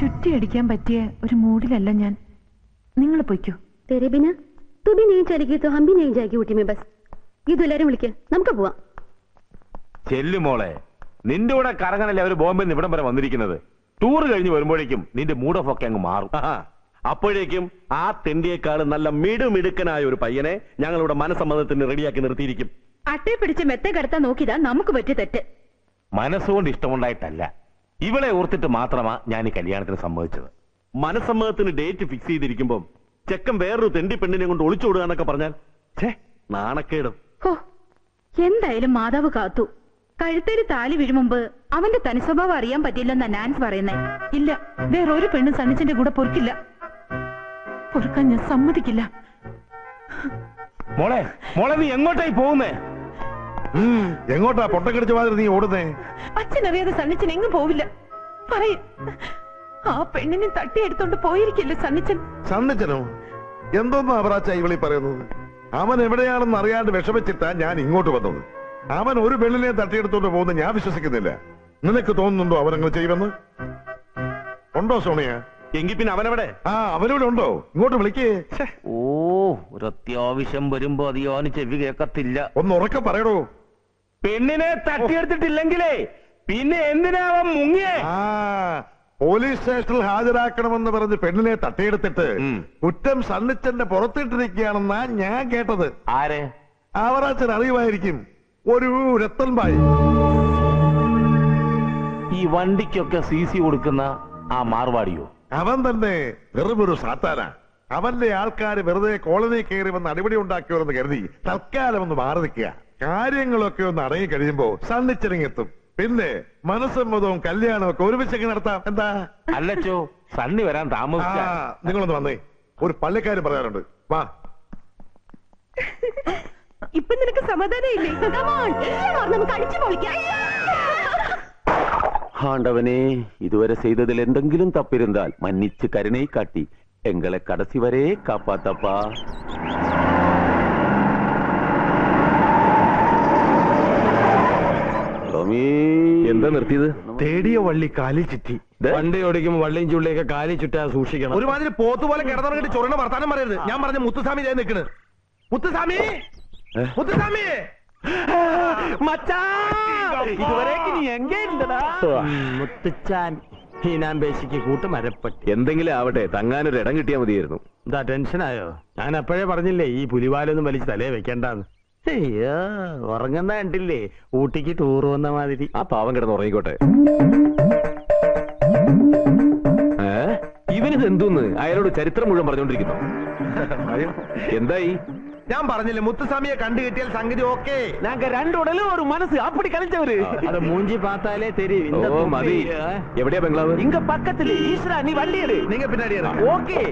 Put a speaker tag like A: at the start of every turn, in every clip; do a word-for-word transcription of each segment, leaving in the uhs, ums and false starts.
A: ചുറ്റിയടിക്കാൻ പറ്റിയ ഒരു മൂഡിലല്ല ഞാൻ. നിങ്ങൾ പൊയ്ക്കോ.
B: तेरे बिना तू भी नहीं चलेगी तो हम भी नहीं जाएगी ഊട്ടി में बस. ഇതെല്ലാരും വിളിക്ക്, നമുക്ക് പോവാം.
C: ചെല്ലുമോളെ, നിന്റെ കൂടെ കറങ്ങാനല്ലേ അവര് ബോംബെ നിന്ന് ഇവിടം വരെ വന്നിരിക്കുന്നത്. ടൂർ കഴിഞ്ഞ് വരുമ്പോഴേക്കും നിന്റെ മൂഡ് ഓഫ് ഒക്കെ അങ്ങ് മാറും.
D: അപ്പോഴേക്കും ആ തെണ്ടിയേക്കാൾ നല്ല മിടുമിടുക്കനായ ഒരു പയ്യനെ ഞങ്ങളിവിടെ മനസ്സമ്മതത്തിന് റെഡിയാക്കി നിർത്തിയിരിക്കും.
B: അട്ടയെ പിടിച്ച് മെത്തെ കടത്താൻ നോക്കിയതാ നമുക്ക് പറ്റിയ തെറ്റ്.
C: മനസ്സുകൊണ്ട് ഇഷ്ടമുണ്ടായിട്ടല്ല, ഇവളെ ഓർത്തിട്ട് മാത്രമാ ഞാൻ ഈ കല്യാണത്തിന് സമ്മതിച്ചത്.
D: മനസ്സമ്മതത്തിന് ഡേറ്റ് ഫിക്സ് ചെയ്തിരിക്കുമ്പോ ചെക്കൻ വേറൊരു തെണ്ടി പെണ്ണിനെ കൊണ്ട് ഒളിച്ചോടുക എന്നൊക്കെ പറഞ്ഞാൽ നാണക്കേടും.
B: എന്തായാലും മാതാവ് കാത്തു. കഴുത്തേരി താലി വീഴും മുമ്പ് അവന്റെ തനിസ്വഭാവം അറിയാൻ പറ്റില്ലെന്നാ നാൻസ് പറയുന്നേ.
A: ഇല്ല, വേറൊരു പെണ്ണും സണ്ണിച്ചന്റെ കൂടെ പൊറുക്കില്ല. പൊറുക്കാൻ ഞാൻ സമ്മതിക്കില്ല.
C: മോളെ മോളെ നീ എങ്ങോട്ടായി പോകുന്നേ?
E: എങ്ങോട്ടാ പൊട്ടക്കടിച്ച മാതിരി നീ ഓടുന്നേ?
A: അച്ഛനറിയാതെ സണ്ണിച്ചൻ എങ്ങും പോവില്ല. പറയ ആ പെണ്ണിനെ തട്ടിയെടുത്തോണ്ട് പോയിരിക്കില്ല സണ്ണിച്ചൻ.
E: സണ്ണിച്ചനോ? എന്തോന്നാ അവറാച്ച ഇവളി പറയുന്നത്? അവൻ എവിടെയാണെന്ന് അറിയാണ്ട് വിഷമിച്ചിട്ടാ ഞാൻ ഇങ്ങോട്ട് വന്നത്. അവൻ ഒരു പെണ്ണിനെ തട്ടിയെടുത്തോണ്ട് പോകുന്നത് ഞാൻ വിശ്വസിക്കുന്നില്ല. നിനക്ക് തോന്നുന്നുണ്ടോ അവനങ്ങനെ ചെയ്യുമെന്ന്? ഉണ്ടോ സോണിയ?
D: എങ്കിൽ പിന്നെ അവനെവിടെ?
E: ആ, അവനോട് ഉണ്ടോ? ഇങ്ങോട്ട് വിളിക്കേ.
C: ഓ, ഒരു അത്യാവശ്യം വരുമ്പോ അതിയോന് ചെവി കേക്കത്തില്ല.
E: ഒന്ന് ഉറക്കെ പറയടോ.
C: പെണ്ണിനെ തട്ടിയെടുത്തിട്ടില്ലെങ്കിലേ പിന്നെ എന്തിനാവൻ മുങ്ങിയേ?
E: ആ, പോലീസ് സ്റ്റേഷനിൽ ഹാജരാക്കണമെന്ന് പറഞ്ഞ് പെണ്ണിനെ തട്ടിയെടുത്തിട്ട് കുറ്റം സണ്ണിച്ചന്റെ പുറത്തിട്ടിരിക്കുകയാണെന്നാ ഞാൻ കേട്ടത്.
C: ആരെ?
E: അവറാച്ചൻ അറിയുമായിരിക്കും. ഒരു രത്തൻബായി.
C: ഈ വണ്ടിക്കൊക്കെ സി സി കൊടുക്കുന്ന ആ മാർവാടിയോ?
E: അവൻ തന്നെ വെറുമൊരു സാത്താന. അവന്റെ ആൾക്കാര് വെറുതെ കോളനി കയറി വന്ന് അടിപൊളി ഉണ്ടാക്കിയോന്ന് കരുതി തൽക്കാലം ഒന്ന് മാറി നിൽക്കുക. കാര്യങ്ങളൊക്കെ ഒന്ന് അടങ്ങി കഴിയുമ്പോ സണ്ണിച്ചിറങ്ങിയെത്തും. പിന്നെ മനസ്സമ്മതവും കല്യാണവും ഒക്കെ ഒരുമിച്ചൊക്കെ നടത്താം. എന്താ?
C: അല്ലച്ചോ, സണ്ണി വരാൻ താമസിച്ച.
E: നിങ്ങളൊന്ന് വന്നേ, ഒരു പള്ളിക്കാരും പറയാറുണ്ട്. വാ.
B: ഇപ്പൊ നിനക്ക് സമാധാനം ഇല്ലേ? നമുക്ക് അടിച്ചു പൊളിക്കാം.
D: ஆண்டவனே, இதுவரை செய்ததில் எந்தெங்கிலும் தப்பிருந்தால் மன்னிச்சு கருணை காட்டி எங்களை கடைசி வரை காப்பாத்தப்பா. എന്താ നിർത്തിയത്?
F: തേടിയ വള്ളി കാലിൽ ചുറ്റി. വണ്ടി ഓടിക്കുമ്പോ വള്ളിയും ചുള്ളിയൊക്കെ കാലിൽ ചുറ്റാ സൂക്ഷിക്കണം.
G: ഒരുമാതിരി പോത്തുപോലെ കിടന്നിറങ്ങിട്ട് ചൊറിന വർത്താനം പറയരുത്. ഞാൻ പറഞ്ഞ മുത്തുസ്വാമി നിൽക്കണ്. മുത്തുസ്വാമി, മുത്തുസ്വാമി,
F: മുത്തുച്ചാൻ ഹീനാമ്പേശിക്ക് കൂട്ടുമരപ്പട്ടി.
D: എന്തെങ്കിലും ആവട്ടെ, തങ്ങാനൊരു ഇടം കിട്ടിയാൽ മതിയായിരുന്നു.
F: എന്താ ടെൻഷനായോ? ഞാൻ അപ്പോഴേ പറഞ്ഞില്ലേ ഈ പുലിവാലൊന്നും വലിച്ച് തലേ വെക്കണ്ടെന്ന്. അയ്യോ, ഉറങ്ങുന്ന കണ്ടില്ലേ ഊട്ടിക്ക് ടൂർ വന്ന മാതിരി.
D: ആ പാവം കിടന്ന് ഉറങ്ങിക്കോട്ടെ. ഏ, ഇവനിത് എന്തോന്ന് അയാളോട് ചരിത്രം മുഴുവൻ പറഞ്ഞോണ്ടിരിക്കുന്നു. എന്തായി?
G: ഞാൻ പറഞ്ഞില്ലേ മുത്തുസ്വാമിയെ കണ്ടു കിട്ടിയാൽ സംഗതി ഓക്കെ.
D: ഞങ്ങൾക്ക് രണ്ടുടലും ഒരു മനസ്സ് അപ്പടി കളിച്ചവര്.
F: അത് മൂഞ്ചി പാത്താലേ തെരീവ്.
D: മതി. എവിടെയാ ബംഗ്ലാവ്?
C: ഇങ്ക പക്കത്തില്. ഈശ്വര, നീ വണ്ടിയെടു.
G: നീங்க പിന്നാടി
C: ഓക്കെ.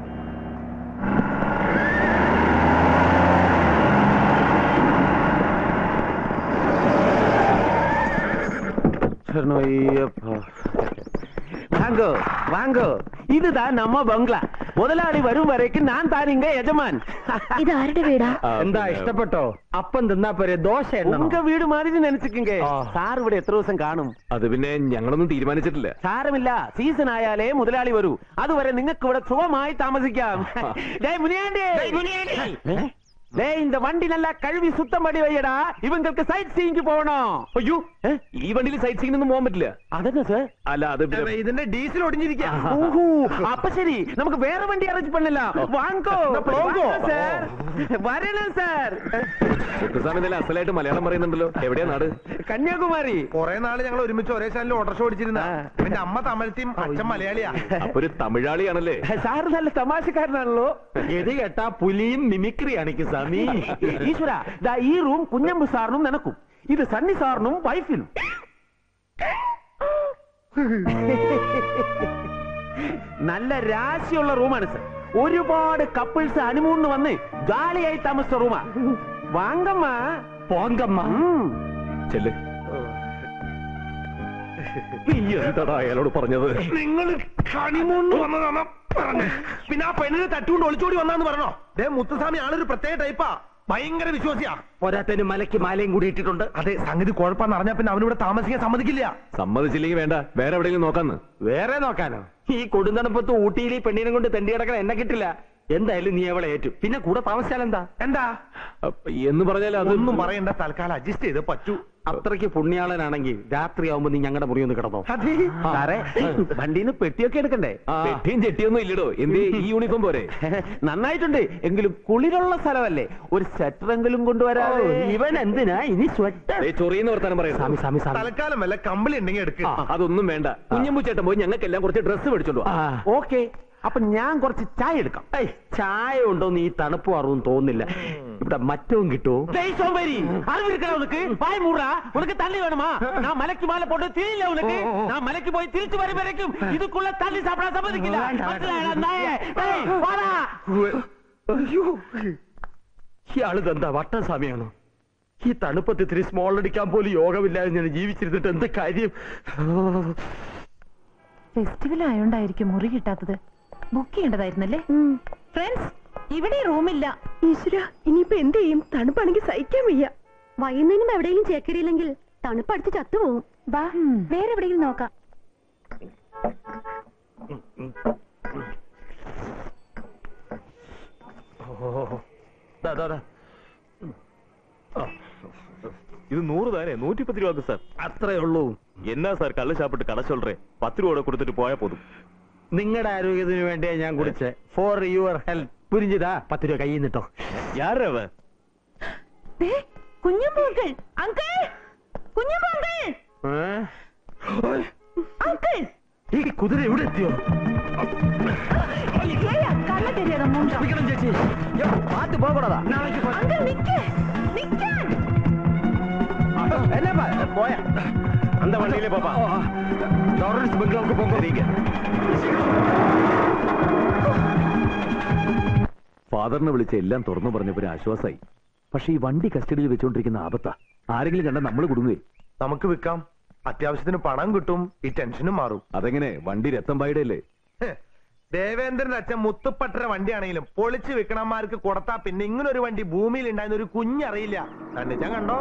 D: வாங்கோ வாங்கோ, இதுதான் நம்ம பங்களா. முதலாளி வரும் வரைக்கும் நான் தான் இங்க യജമാൻ.
B: ഇത് ആരുടെ വീടാ?
F: എന്താ ഇഷ്ടപ്പെട്ടോ? അപ്പം തിന്നാ പോരെ, ദോശ
D: ഉങ്ക വീട് മാതിരി നനച്ചിക്കേ. സാർ ഇവിടെ എത്ര ദിവസം കാണും? അത് പിന്നെ ഞങ്ങളൊന്നും തീരുമാനിച്ചിട്ടില്ല. സാരമില്ല, സീസൺ ആയാലേ മുതലാളി വരൂ. അതുവരെ നിങ്ങൾക്ക് ഇവിടെ സുഖമായി താമസിക്കാം. இந்த வண்டி நல்லா கழுவி சுத்தம் பண்ணி வையடா. இவங்களுக்கு சைட் சீயிங்க்கு போகணும். അയ്യോ, ഈ വണ്ടിയിൽ സൈറ്റ് സീയിങ്ങിനൊന്നും പോകാൻ പറ്റില്ല. അതെന്നാ സാർ? അല്ല, അത്
G: ഇതിന്റെ ഡീസൽ ഒടിഞ്ഞിരിക്കുക.
D: അപ്പൊ ശരി, നമുക്ക് വേറെ വണ്ടി അറേഞ്ച് പണില്ല. വാങ്ങോ സാർ, വരണം സാർ. മുത്തുസ്വാമി നല്ല അസലായിട്ട് മലയാളം പറയുന്നുണ്ടല്ലോ. എവിടെയാ നാട്? കന്യാകുമാരി.
G: കുറെ നാള് ഞങ്ങൾ ഒരുമിച്ച് ഒരേ ചാനലിൽ ഓട്ടർഷോ ഓടിച്ചിരുന്ന. എന്റെ അമ്മ തമിഴത്തെയും അച്ഛൻ മലയാളിയാ.
D: അപ്പൊ ഒരു തമിഴാളിയാണല്ലേ?
F: സാർ നല്ല തമാശക്കാരനാണല്ലോ. ഇത് കേട്ടാ പുലിയും മിമിക്രിയാണ് സാർ.
D: ഈശ്വര, ഈ റൂം കുഞ്ഞമ്പു സാറിനും നിനക്കും, ഇത് സണ്ണി സാറിനും വൈഫിനും. നല്ല രാശിയുള്ള റൂമാണ് സർ. ഒരുപാട് കപ്പിൾസ് ഹണിമൂണിന് വന്ന് ജാലിയായി താമസിച്ച റൂമാ. വാങ്കമ്മ
F: പോങ്കമ്മ.
D: ചെല്ല്. എന്താടാ അയാളോട് പറഞ്ഞത്?
G: നിങ്ങൾ ഹണിമൂണിന് വന്നതാണ് പറഞ്ഞു. പിന്നെ ആ പെണ്ണിനെ തട്ടുകൊണ്ട് ഒളിച്ചോടി വന്നാന്ന് പറഞ്ഞോ? ഡേ മുത്തുസ്വാമി ആളൊരു പ്രത്യേക ടൈപ്പാ. ഭയങ്കര വിശ്വാസിയാ.
F: പോരാത്തതിന് മലയ്ക്ക് മാലയും കൂടി ഇട്ടിട്ടുണ്ട്.
G: അതെ, സംഗതി കുഴപ്പമെന്ന് അറിഞ്ഞാ പിന്നെ അവനിവിടെ താമസിക്കാൻ സമ്മതിക്കില്ല.
D: സമ്മതിച്ചില്ലെങ്കിൽ വേണ്ട, വേറെ എവിടെയെങ്കിലും നോക്കാന്ന്.
F: വേറെ നോക്കാനോ? ഈ കൊടുന്തണപ്പത്ത് ഊട്ടിയിൽ ഈ പെണ്ണിനെ കൊണ്ട് തെണ്ടി കിടക്കാൻ എന്നെ കിട്ടില്ല. എന്തായാലും നീ അവളെ ഏറ്റു. പിന്നെ കൂടെ താമസിച്ചാലെന്താ?
G: എന്താ
D: എന്ന് പറഞ്ഞാൽ
G: അതൊന്നും പറയണ്ട, തൽക്കാലം അഡ്ജസ്റ്റ് ചെയ്ത് പറ്റൂ.
F: അത്രയ്ക്ക് പുണ്യാളനാണെങ്കിൽ രാത്രിയാവുമ്പോ നീ ഞങ്ങളുടെ മുറി ഒന്ന് കിടന്നോ.
D: സാറേ, വണ്ടിന്ന് പെട്ടിയൊക്കെ എടുക്കണ്ടേ? പെട്ടിയും ചെട്ടിയൊന്നും ഇല്ലടോ. എന്ത് ഈ യൂണിഫോം പോരെ?
F: നന്നായിട്ടുണ്ട്, എങ്കിലും കുളിരുള്ള സ്ഥലമല്ലേ, ഒരു സ്വെറ്ററെങ്കിലും കൊണ്ടുവരാ. ഇവൻ എന്തിനാ ഇനി സ്വെറ്റർ?
D: ചൊറിയെന്ന് വർത്താനം പറയാം.
F: സ്വാമി സ്വാമി സ്വാമി
G: തൽക്കാലം വല്ല കമ്പിളി ഉണ്ടെങ്കിൽ എടുക്കുക.
D: അതൊന്നും വേണ്ട. കുഞ്ഞമ്പൂച്ചേട്ടൻ പോയി ഞങ്ങൾക്കെല്ലാം കുറച്ച് ഡ്രസ്സ് മേടിച്ചോണ്ടോ.
F: ഓക്കെ, അപ്പൊ ഞാൻ കുറച്ച് ചായ എടുക്കാം. ചായ ഉണ്ടോന്ന് ഈ തണുപ്പ് അറിവും തോന്നില്ല. ഇവിടെ മറ്റവും കിട്ടുമോ?
H: உனக்கு தண்ணி வேணுமா? நான் மலைக்கு மேல போட்டு தெரியல உனக்கு. நான் மலைக்கு போய் திருச்சி வரும் வரைக்கும் இதுக்குள்ள தண்ணி சாப்பிட சம்மதிக்கல.
F: ഇയാള് എന്താ വട്ടസ്വാമിയാണോ? ഈ തണുപ്പത്ത് ഇത്തിരി സ്മോൾ അടിക്കാൻ പോലും യോഗമില്ലാതെ ഞാൻ ജീവിച്ചിരുന്നിട്ട് എന്ത് കാര്യം?
A: ഫെസ്റ്റിവൽ ആയോണ്ടായിരിക്കും മുറി കിട്ടാത്തത്. ബുക്ക് ചെയ്യേണ്ടതായിരുന്നല്ലേ? ഫ്രണ്ട്സ്, ഇവിടെ റൂമില്ല.
B: ഈശ്വര, ഇനിയിപ്പോ എന്ത് ചെയ്യും? തണുപ്പാണെങ്കിൽ സഹിക്കാൻ വയ്യ. വൈകുന്നേരം എവിടെയെങ്കിലും ചേക്കരിയില്ലെങ്കിൽ തണുപ്പടിച്ച് ചത്തുപോകും. വാ, വേറെ എവിടെയെങ്കിലും നോക്കാം.
C: இது நூறு தானே? நூற்றி பத்து ரூபாக்கு சார்.
F: അത്രേ ഉള്ളൂ.
C: என்ன சார் கள்ள சாப்பிட்டு கடை சொல்றேன்? பத்து ரூபா கொடுத்துட்டு போயா போதுം.
F: നിങ്ങളുടെ ആരോഗ്യത്തിന് വേണ്ടിയാ ഞാൻ കുടിച്ചേ. For your health. പുരിഞ്ചിതാ, പത്ത് രൂപ കയ്യിൽ നിട്ടോ.
C: யாரவ?
A: കുഞ്ഞുമോങ്കൾ അങ്കിൾ, കുഞ്ഞുമോങ്കൾ അങ്കിൾ.
F: ഈ കുതിര എവിടെ എത്തിയോ?
A: കള്ള തെരിയാതെ മൂഞ്ചം.
F: ചേച്ചി, പാത്ത് പോകണതാ.
A: അങ്കിൾ നിക്ക്, നിക്കാൻ.
F: എന്നാ പോയാ?
C: அந்த வண்டியிலே பாப்பா.
F: ലോറൻസ് ബംഗ്ലാവുക്ക് പോകോ.
D: ഫാദറിനെ വിളിച്ച് എല്ലാം തുറന്നു പറഞ്ഞപ്പോ ഒരു ആശ്വാസമായി. പക്ഷെ ഈ വണ്ടി കസ്റ്റഡിയിൽ വെച്ചോണ്ടിരിക്കുന്ന ആപത്താ. ആരെങ്കിലും കണ്ടാൽ നമ്മൾ കുടുങ്ങുകയെ.
G: നമുക്ക് വിൽക്കാം, അത്യാവശ്യത്തിന് പണം കിട്ടും, ഈ ടെൻഷനും മാറും.
D: അതെങ്ങനെ? വണ്ടി രത്തം പായുടെ അല്ലേ?
G: ദേവേന്ദ്രന്റെ അച്ഛൻ മുത്തുപ്പട്ടര വണ്ടിയാണെങ്കിലും പൊളിച്ച് വിൽക്കണന്മാർക്ക് കൊടുത്താ പിന്നെ ഇങ്ങനൊരു വണ്ടി ഭൂമിയിൽ ഉണ്ടായിരുന്ന ഒരു കുഞ്ഞറിയില്ല. ഞാൻ കണ്ടോ?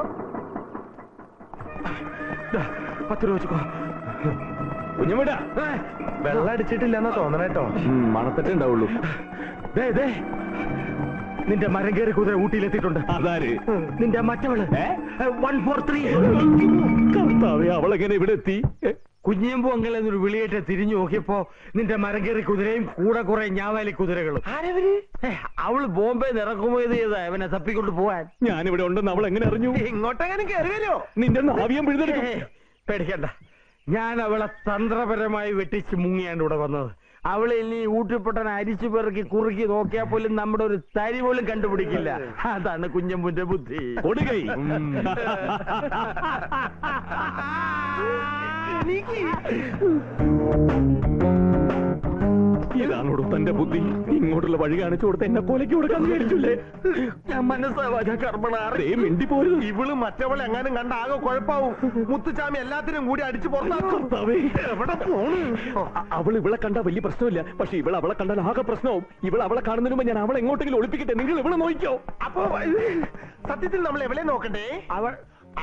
F: പത്ത് രൂപ വെച്ചോ.
C: കുഞ്ഞുമിടാ,
G: വെള്ളം അടിച്ചിട്ടില്ലെന്നാ തോന്നണേട്ടോ.
D: മണത്തട്ടേ ഉണ്ടാവുള്ളൂ.
F: നിന്റെ മരം കയറി കുതിര ഊട്ടിയിലെത്തിയിട്ടുണ്ട്.
C: അതാര്?
F: നിന്റെ മറ്റവള് വൺ ഫോർ ത്രീ.
C: കർത്താവേ, അവളെങ്ങനെ ഇവിടെ എത്തി?
F: കുഞ്ഞിയമ്പു അങ്ങനെ ഒരു വിളിയേറ്റ് തിരിഞ്ഞു നോക്കിയപ്പോ നിന്റെ മരം കയറി കുതിരയും കൂടെ കുറെ ഞാവാലി കുതിരകളും. അവള് ബോംബെ ഇറക്കുമോ ചെയ്താ അവനെ തപ്പിക്കൊണ്ട് പോവാൻ.
C: ഞാനിവിടെ ഉണ്ടെന്ന് അവൾ എങ്ങനെ അറിഞ്ഞു?
G: ഇങ്ങോട്ടെങ്ങനെ കയറി വരുമോ?
C: നിന്റെ നാവിയം പിഴുതെടുക്കും.
F: പേടിക്കണ്ട, ഞാൻ അവളെ തന്ത്രപരമായി വെട്ടിച്ച് മുങ്ങിയാണ് ഇവിടെ വന്നത്. അവളെ ഇനി ഊട്ടിപ്പൊട്ടൻ അരിച്ചു പെറുക്കി കുറുക്കി നോക്കിയാൽ പോലും നമ്മുടെ ഒരു തരി പോലും കണ്ടുപിടിക്കില്ല. അതാണ് കുഞ്ഞമ്പുന്റെ ബുദ്ധി.
C: കൊടുകൈ. ഇതാണോടും തന്റെ ബുദ്ധി? ഇങ്ങോട്ടുള്ള വഴി കാണിച്ചു കൊടുത്ത് എന്നെ കൊലയ്ക്ക് കൊടുക്കാൻ വിചാരിച്ചില്ലേ?
F: ഞാൻ മനസ്സാവാ കർമ്മണേ
C: മിണ്ടി പോരുത്.
G: ഇവള് മറ്റവളെ എങ്ങാനും കണ്ട ആകെ കുഴപ്പാവും. മുത്തുചാമി എല്ലാത്തിനും കൂടി അടിച്ചു പുറത്താക്കും. എവിടെ പോണു?
C: അവൾ ഇവളെ കണ്ടാ വലിയ പ്രശ്നമില്ല, പക്ഷെ ഇവൾ അവളെ കണ്ടാൽ ആകെ പ്രശ്നവും. ഇവൾ അവളെ കാണുന്നതിന് മുമ്പ് ഞാൻ അവളെ എങ്ങോട്ടെങ്കിലും ഒളിപ്പിക്കട്ടെ. നിങ്ങൾ ഇവളെ നോക്കിയോ?
G: അപ്പൊ സത്യത്തിൽ നമ്മൾ എവിടെ നോക്കണ്ടേ? അവൾ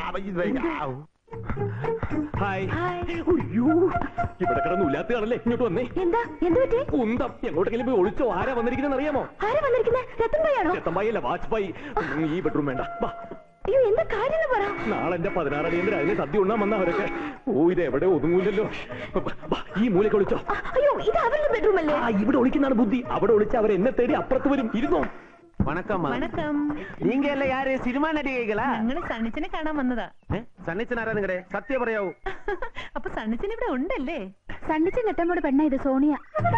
C: ഹായ്. അയ്യോ, ഇവിടെ കിടന്ന് ഉല്ലാത്തയാണല്ലേ. ഇങ്ങോട്ട് വന്നേ.
B: എന്താ എന്ത് പറ്റി?
C: കുന്തം എങ്ങോട്ടെങ്കിലും പോയി ഒളിച്ചോ? ആരാ വന്നിരിക്കുന്ന അറിയാമോ?
B: ആരാ വന്നിരിക്കുന്നത്? രത്തൻഭായാണോ?
C: രത്തമ്പായി അല്ല, വാജ്പായി. ഈ ബെഡ്റൂം വേണ്ട.
B: അയ്യോ, എന്താ കാര്യം പറ.
C: നാളെ എന്റെ പതിനാറടിയന്തര അതിന് സദ്യ ഉണ്ണാൻ വന്ന അവരൊക്കെ. ഓ, ഇത് എവിടെ ഒതുങ്ങൂലല്ലോ. ഈ മൂലയ്ക്ക് ഒളിച്ചോ.
B: അയ്യോ, ഇത് അവരുടെ ബെഡ്റൂം അല്ലേ?
C: ഇവിടെ ഒളിക്കുന്നതാണ് ബുദ്ധി. അവിടെ ഒളിച്ച് അവർ എന്നെ തേടി അപ്പുറത്ത് വരും. ഇരുന്നോ.
H: வணக்கம்.
A: വണക്കം.
H: நீங்க எல்லாம் யாரு? சினிமா நடிகைகளா?
A: ഞങ്ങള് സണ്ണിച്ചനെ കാണാൻ വന്നതാ.
G: സണ്ണിച്ചനാരാ നിങ്ങടെ? സത്യം പറയാവൂ.
A: അപ്പൊ സണ്ണിച്ചൻ ഇവിടെ ഉണ്ടല്ലേ?
B: സണ്ണിച്ചൻ നെട്ടമ്മോട് പെണ്ണ ഇത് സോണിയ.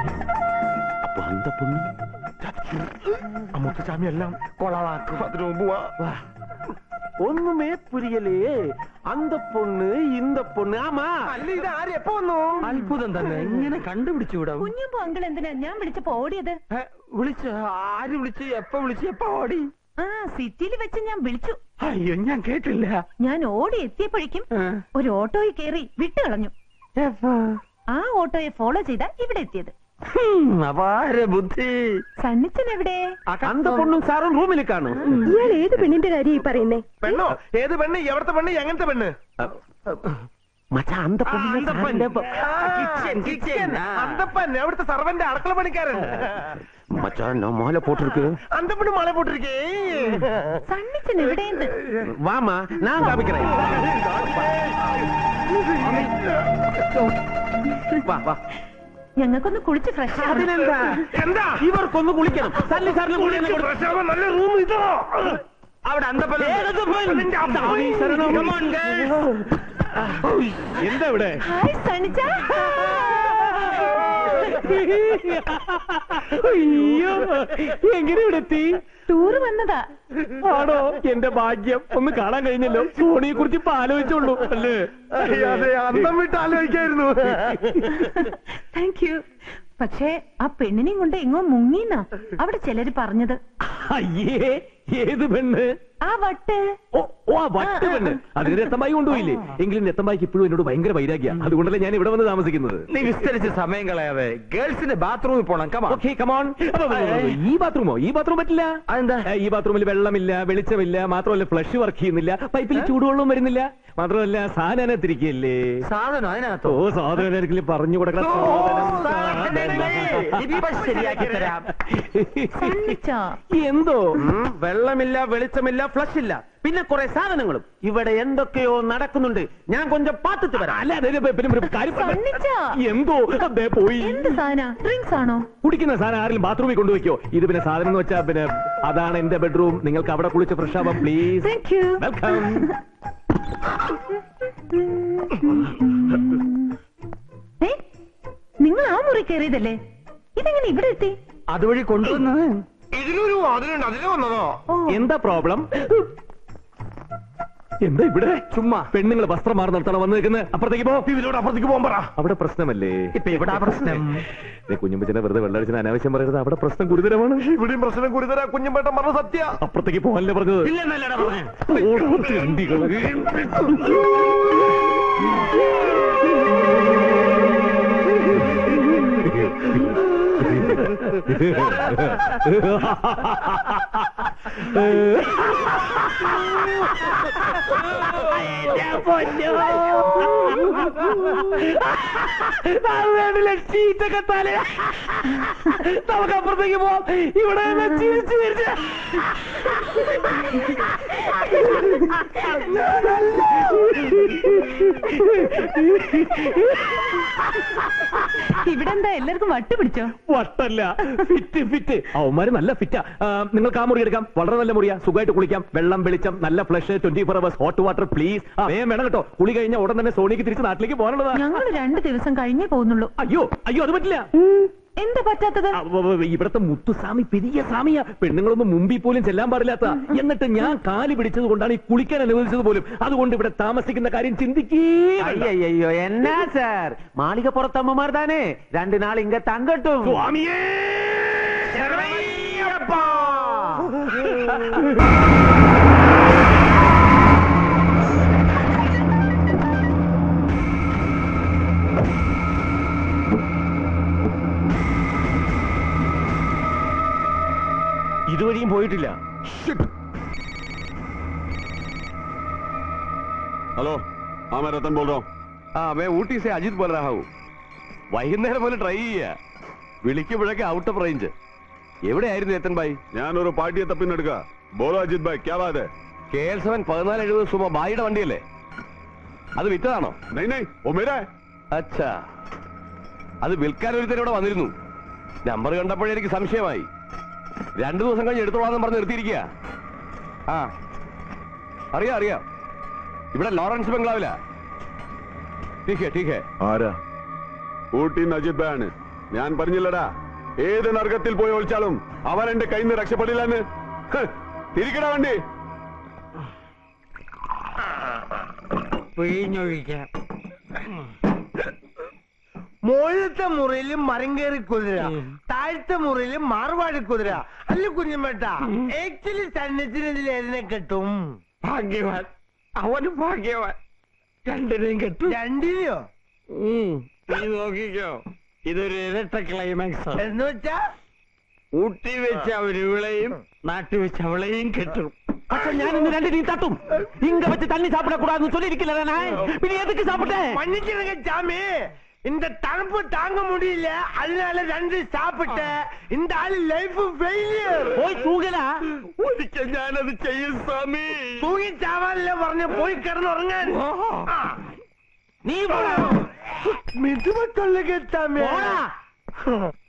G: മുത്തുചാമി എല്ലാം കൊളവാക്കും. അതിനു മുമ്പ് വാ.
H: ஒண்ணுமே புரியலையே. அந்த பொண்ணு இந்த பொண்ணு. ஆமா,
G: അല്ല, ഇത് ആര് എപ്പോ വന്നു?
F: അത്ഭുതം തന്നെ. എങ്ങനെ കണ്ടുപിടിച്ചു വിടാം?
A: കുഞ്ഞുമ്പോ അങ്കിൾ എന്തിനാ ഞാൻ വിളിച്ചപ്പോ ഓടിയത്?
F: വിളിച്ച് ആര് വിളിച്ച് എപ്പ വിളിച്ച് എപ്പ ഓടി?
A: ആ, സിറ്റിയിൽ വെച്ച് ഞാൻ വിളിച്ചു.
F: അയ്യോ, ഞാൻ കേട്ടില്ല.
A: ഞാൻ ഓടി എത്തിയപ്പോഴേക്കും ഒരു ഓട്ടോയിൽ കയറി വിട്ടു കളഞ്ഞു. ആ ഓട്ടോയെ ഫോളോ ചെയ്താ ഇവിടെ എത്തിയത്.
F: അപാര ബുദ്ധി.
A: സണ്ണിച്ചൻ എവിടെ?
D: അന്ത പൊണ്ണും സാറും റൂമിൽ കാണും.
B: ഇയാൾ ഏത് പെണ്ണിന്റെ കാര്യം ഈ പറയുന്നേ?
G: പെണ്ണോ? ഏത് പെണ്ണ്? എവിടത്തെ പെണ്ണ്? എങ്ങനത്തെ പെണ്ണ്?
D: മച്ചാ അന്ത
G: അന്തപ്പൻ എവിടുത്തെ സർവന്റെ അടുക്കള പണിക്കാരൻ.
D: മച്ചാ ഞാൻ മാല പോട്ടിருக்கு.
G: അന്തപ്പന് മല പോട്ടിരിക്കേ.
A: സണ്ണിച്ചൻ എവിടെയെന്ന്?
D: വാമാ ഞാൻ കാണിക്കണേ. വാ വാ.
A: ഞങ്ങൾക്കൊന്ന് കുളിച്ച് ഫ്രഷ്
D: അതിനെന്താ? എന്താ ഇവർക്കൊന്ന് കുളിക്കണം. സല്ലി സാറിന് കുളിക്കണം.
G: നല്ല റൂം ഇതോ.
D: അവിടെ അന്തപ്പൻ എന്താ ഇവിടെ?
A: ഹായ് സണ്ണിച്ച.
D: അയ്യോ എങ്ങനെ ഇവിടെ എത്തി?
A: ടൂറ് വന്നതാ.
D: ആണോ? എന്റെ ഭാഗ്യം. ഒന്ന് കാണാൻ കഴിഞ്ഞല്ലോ. സോണിയെ കുറിച്ച് ഇപ്പൊ ആലോചിച്ചോളൂ അല്ലേ?
G: അതെ, അന്തം വിട്ട് ആലോചിക്കായിരുന്നു.
A: Thank you. പക്ഷേ ആ പെണ്ണിനെയും കൊണ്ട് എങ്ങോ മുങ്ങിന്നാ അവിടെ ചിലര് പറഞ്ഞത്.
D: അയ്യേ ഏത് പെണ്ണ്?
A: ആ വട്ട്.
D: ഓ ഓ ആ വട്ട് പെണ്ണ്. അതിന് രത്തമ്പായി കൊണ്ടുപോയില്ലേ? എങ്കിലും രത്തമ്പായിക്ക് ഇപ്പോഴും എന്നോട് ഭയങ്കര വൈരാഗ്യ. അതുകൊണ്ടല്ലേ ഞാൻ ഇവിടെ വന്ന് താമസിക്കുന്നത്.
F: നീ വിസ്തരിച്ച് സമയം കളയാതെ ഗേൾസിന്റെ ബാത്റൂമിൽ പോണം. കമാ.
D: Okay come on. ഈ ബാത്റൂമോ? ഈ ബാത്റൂം പറ്റില്ല.
F: അതെന്താ?
D: ഈ ബാത്റൂമിൽ വെള്ളമില്ല, വെളിച്ചമില്ല, മാത്രമല്ല ഫ്ലഷ് വർക്ക് ചെയ്യുന്നില്ല, പൈപ്പിൽ ചൂടുവെള്ളവും വരുന്നില്ല, മാത്രമല്ല സാധനം തിരികല്ലേ.
F: സാധനം അതിനകത്തോ?
D: ഓ സാധനം ആരെങ്കിലും പറഞ്ഞു കൊടുക്കണം.
F: ശരിയാക്കി തരാം.
A: സണ്ണിച്ചാ.
D: എന്തോ
F: വെള്ളമില്ല, വെളിച്ചമില്ല, ഫ്ലഷ് ഇല്ല, പിന്നെ കുറെ സാധനങ്ങളും. ഇവിടെ എന്തൊക്കെയോ നടക്കുന്നുണ്ട്. ഞാൻ കൊഞ്ചം പാത്തിട്ട് വരാം.
D: അല്ല അതെ പിന്നെ ഒരു കാര്യം പറഞ്ഞ-
A: സണ്ണിച്ചാ.
D: എന്തോ അതെ പോയി.
A: എന്ത് സാധന? ഡ്രിങ്ക്സ് ആണോ?
D: കുടിക്കുന്ന സാധനം ആരെങ്കിലും ബാത്റൂമിൽ കൊണ്ടുവയ്ക്കോ? ഇത് പിന്നെ സാധനം എന്ന് വെച്ചാ പിന്നെ അതാണ് എന്റെ ബെഡ്റൂം. നിങ്ങൾക്ക് അവിടെ കുളിച്ച് ഫ്രഷ് ആവാം പ്ലീസ്.
A: Thank you.
D: വെൽക്കം.
A: നിങ്ങൾ ആ മുറി കയറിയതല്ലേ? ഇതെങ്ങനെ ഇവിടെ എത്തി?
F: അതുവഴി കൊണ്ടുവന്ന്
G: ഇതിലൊരു അതിലുണ്ട്. അതില് വന്നതോ?
D: എന്താ പ്രോബ്ലം? എന്താ ഇവിടെ?
F: ചുമ്മാ
D: പെണ്ണുങ്ങൾ വസ്ത്രം മാറി നിർത്തണം വന്ന് നിൽക്കുന്നത്. അപ്പുറത്തേക്ക് പോ.
G: ഇതിലൂടെ അപ്പുറത്തേക്ക് പോകാൻ പറ.
D: അവിടെ പ്രശ്നമല്ലേ?
F: ഇപ്പൊ ഇവിടെ പ്രശ്നം.
D: കുഞ്ഞുമ്പച്ചനെ വെറുതെ വെള്ളടിച്ചിന് അനാവശ്യം പറയരുത്. അവിടെ പ്രശ്നം ഗുരുതരമാണ്.
G: ഇവിടെയും പ്രശ്നം ഗുരുതര. കുഞ്ഞുമ്പേട്ടൻ പറഞ്ഞ സത്യ.
D: അപ്പുറത്തേക്ക് പോകാനല്ലേ പറഞ്ഞത്?
F: ഇല്ലെന്നല്ലടാ പറഞ്ഞേ.
D: ഓടോ ചണ്ടികള്. ഷീറ്റൊക്കെ തല നമുക്ക് അപ്പുറത്തേക്ക് പോവാം. ഇവിടെ ചിരിച്ചു ചിരിച്ച്
A: ഇവിടെ എന്താ എല്ലാവർക്കും വട്ട് പിടിച്ചോ?
D: വട്ടല്ല, ഫിറ്റ് ഫിറ്റ്. അവന്മാര് നല്ല ഫിറ്റാ. നിങ്ങൾക്ക് ആ മുറി എടുക്കാം. വളരെ നല്ല മുറിയാ. സുഖമായിട്ട് കുളിക്കാം. വെള്ളം, വെളിച്ചം, നല്ല flush, twenty four hours hot water please. വേഗം വേണം കേട്ടോ. കുളി കഴിഞ്ഞ ഉടൻ തന്നെ സോണിക്ക് തിരിച്ച് നാട്ടിലേക്ക് പോകാനുള്ളതാ.
A: ഞങ്ങൾ രണ്ടു ദിവസം കഴിഞ്ഞേ പോകുന്നുള്ളൂ.
D: അയ്യോ അയ്യോ അത് പറ്റില്ല.
A: എന്താ പറ്റാത്തത്?
D: ഇവിടത്തെ മുത്തുസ്വാമി പെരിയ സ്വാമിയാ. പെണ്ണുങ്ങളൊന്നും മുമ്പിൽ പോലും ചെല്ലാൻ പാടില്ലാത്ത. എന്നിട്ട് ഞാൻ കാല് പിടിച്ചത് കൊണ്ടാണ് ഈ കുളിക്കാൻ അനുവദിച്ചത് പോലും. അതുകൊണ്ട് ഇവിടെ താമസിക്കുന്ന കാര്യം ചിന്തിക്കേ.
H: അയ്യോ എന്നാ സാർ, മാളിക പുറത്തമ്മമാർ താനേ രണ്ടു നാൾ ഇങ്ങ തങ്കട്ടും.
D: സ്വാമിയേ
F: ഇതുവഴിയും പോയിട്ടില്ല.
C: हेलो हाँ मैं रतन बोल रहा हूँ.
D: हाँ मैं ഊട്ടി से अजीत बोल रहा हूँ. വൈകുന്നേരം പോലെ ട്രൈ ചെയ്യാ. വിളിക്കുമ്പോഴൊക്കെ ഔട്ട് ഓഫ് റേഞ്ച്. എവിടെയായിരുന്നു രത്തൻ ഭായി?
C: ഞാനൊരു പാർട്ടിയെ തപ്പിന്നെടുക്ക. ബോളോ അജിത് ഭായ് ക്യാ ബാത് ഹൈ?
D: കെ എൽ സെവൻ പതിനാല് എഴുപത് സുമ ഭായിയുടെ വണ്ടിയല്ലേ? അത് വിറ്റതാണോ?
C: नहीं नहीं वो मेरा है.
D: അച്ഛാ അത് വിൽക്കാൻ ഒരുത്തൻ ഇവിടെ വന്നിരുന്നു. നമ്പർ കണ്ടപ്പോഴേ എനിക്ക് സംശയമായി. രണ്ടു ദിവസം കഴിഞ്ഞ് എടുത്തോളാന്ന് പറഞ്ഞ് നിർത്തിയിരിക്കുക. ആ അറിയാം അറിയാം. ഇവിടെ ലോറൻസ് ബംഗ്ലാവില. ടീക്കേ ടീക്കേ.
C: ആരാ? ഊട്ടി അജിത് ഭായ് ആണ്. ഞാൻ പറഞ്ഞില്ലടാ, ഏത് നർഗത്തിൽ പോയി ഒളിച്ചാലും അവൻ എന്റെ കയ്യിൽ നിന്ന് രക്ഷപ്പെടില്ലെന്ന്. തിരിക്കടാ വണ്ടി.
F: പിഴിഞ്ഞൊഴിക്കാം.
G: മുകളിലത്തെ മുറിയിലും മരം കയറി കുതിര, താഴത്തെ മുറിയിലും മാർവാടി കുതിര. അല്ല കുഞ്ഞുമേട്ട, ആക്ച്വലി സന്നിധിയിൽ ഏതിനെ കിട്ടും?
F: ഭാഗ്യവാൻ, അവന് ഭാഗ്യവാൻ. രണ്ടിനെയും കെട്ടു.
G: രണ്ടിനെയോ?
F: നീ നോക്കിക്കോ. ഇതൊരു ഇരട്ട ക്ലൈമാക്സ്
G: എന്ന് വെച്ചാ
F: ഊട്ടി വെച്ച് അവരിവിളെയും നാട്ടിൽ വെച്ച് അവളെയും കെട്ടും.
H: പക്ഷെ ഞാൻ ഇന്ന് രണ്ട് നീ തട്ടും ഇങ്ങ വെച്ച് തണ്ണി சாப்பிடக்கூடாதுன்னு சொல்லிருக்கல പിന്നെ எதுக்கு சாப்பிட்டேன்
G: மன்னிச்சிருங்க சாமி இந்த தണുപ്പ് தாங்க முடியல அதனால ரெண்டு சாப்பிட்டேன் இந்த ஆளு லைஃப் ஃபெயிலியர்
H: പോയി തൂങ്ങലാ
F: ഒരിക്കൽ ഞാനത് ചെയ്യും സ്വാമി.
G: തൂങ്ങി ചാവാനല്ലേ പറഞ്ഞ പോയി കിടന്നുറങ്ങാൻ ആ.
H: നീ പോടാ
G: മിതുമ കൊള്ളുക ചാമി
H: പോടാ